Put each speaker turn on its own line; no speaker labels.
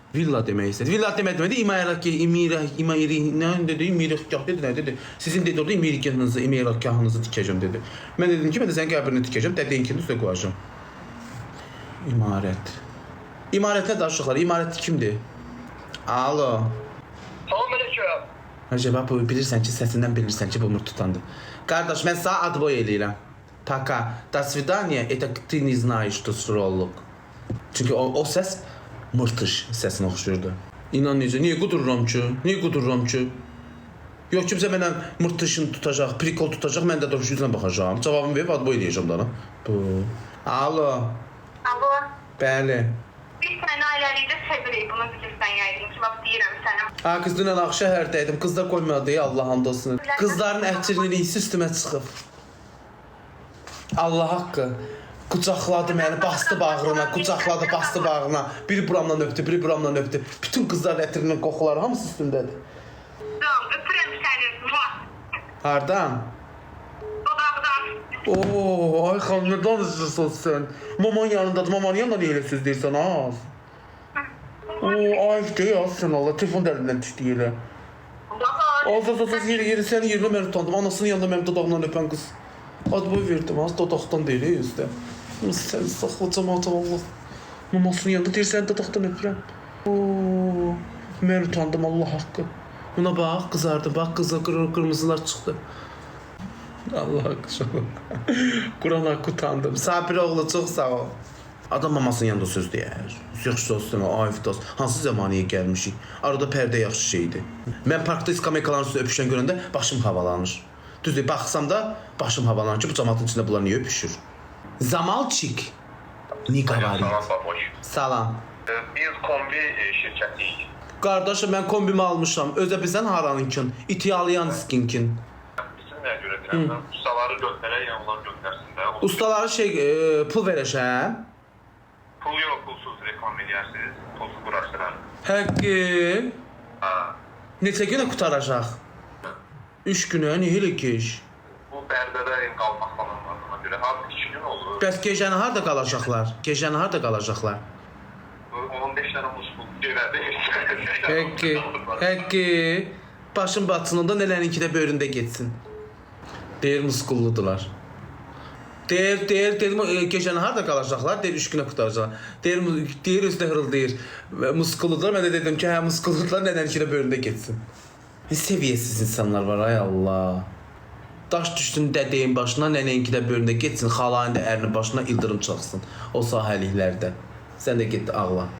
Villa demək istədi. Villa demədi, imirəkgah dedi, nə dedi? Sizin dedi orada imirəkgahınızı tikəcəm dedi. Mən dedim ki, mən də sənin qəbrini tikəcəm, dədəyinkini üstə qoyacam. İmarət. İmarətlə danışıqlar. İmarət kimdir? Alo.
Salam aleyküm.
Acaba bu bilirsən ki, səsindən bilirsən ki, bu Nur tutandı. Qardaş, mən sağ adboy eləyirəm. Пока. До свидания. Это ты не знаешь, что сролог. Çünki o səs mırtış səsinə oxşuyurdu. İnan necə? Niyə qudururam ki? Niyə qudururam ki? Yox, kimsə mənə mırtışın tutacaq, prikol tutacaq, mən də doğrusu yüzünə baxacağam. Cavabımı verib adboy eləyəcəm da. Bu. Alo.
Alo.
Bəli.
Biz səni ailəlikdə sevirik, bunu bilirsən yəqin ki, bax deyirəm sənə.
Ha, qız dünən Ağşəhərdəydim. Qızlar qoymadı, Allah hamd olsun. Qızların əhçirliliyi üstümə çıxıb. Allah haqqı. Qucaqladı məni, bastı bağrına, qucaqladı, bastı bağrına. Biri buramdan öpdü, biri buramdan öpdü. Bütün qızların ətirinin qoxuları hamısı üstündədir.
Tamam, öpürəm səni.
Hardan?
Dodaqdan.
Oo, ay xanım, nə danışırsan sən? Maman yanındadır, mamanın yanında niyə elə söz deyirsən, az? Oo, ay deyil, sən Allah, telefon dərindən düşdü yerə. Az, yeri, sənin yerinə mən utandım. Anasının yanında mənim dodağımdan öpən qız. Adboy verdim, az dodaqdan deyil, yüzdə. Sən saxla cəmaata, Allah. Mamasının yanında deyir, səni dodaqdan öpürəm. Oo, mən utandım, Allah haqqı. Buna bax, qızardı, bax, qırmızılar çıxdı. Allah haqqı şoku. Quran haqqı utandım. Sabir oğlu, çox sağ ol. Adam mamasının yanında söz deyər. Yaxşı olsun, ayıf dost. Hansı zamaniyə gəlmişik? Arada pərdə yaxşı şeydir. Mən parkda iskamikaların üstündə öpüşən görəndə başım havalanır. Düzdür, baxsam da başım havalanır ki, bu cəmatın içində bunlar niyə öpüşür? Zamalçik. Ni qavarit. Salam.
Biz kombi şirkətiyik.
Qardaşım, mən kombimi almışam. Özə bilsən haranınkin? İtiyaliyan skinkin.
Bizim nəyə görə deyirəm, ustaları göndərək, yəni onlar göndərsin də.
Ustaları pul verəcəm.
Pul yox, pulsuz reklam edərsiniz, pulsuz quraşdırar.
Həqqi. Neçə günə qutaracaq? 3 günə, niyə elə keş?
Bu bərdədə qalmaq falan var ona görə. Artıq 2 gün olur.
Bəs gecəni harda qalacaqlar? Gecəni harda qalacaqlar?
15 dənə muskul görədir.
Həqqi. Başın batınında nələrinki də böyründə getsin. Deyir, muskulludular. Deyir, gecəni harda qalacaqlar? Deyir, 3 günə qutaracaqlar. Deyir, üstə hırıldayır. Muskulludular. Mən də dedim ki, hə, muskulludular, nələrinki də böyründə getsin. Seviyəsiz insanlar var, ay Allah. Daş düşsün dədəyin başına, nənəyinki də böyründə getsin, xalayın da ərinin başına ildırım çaxsın o sahəliklərdə. Sən də get ağla.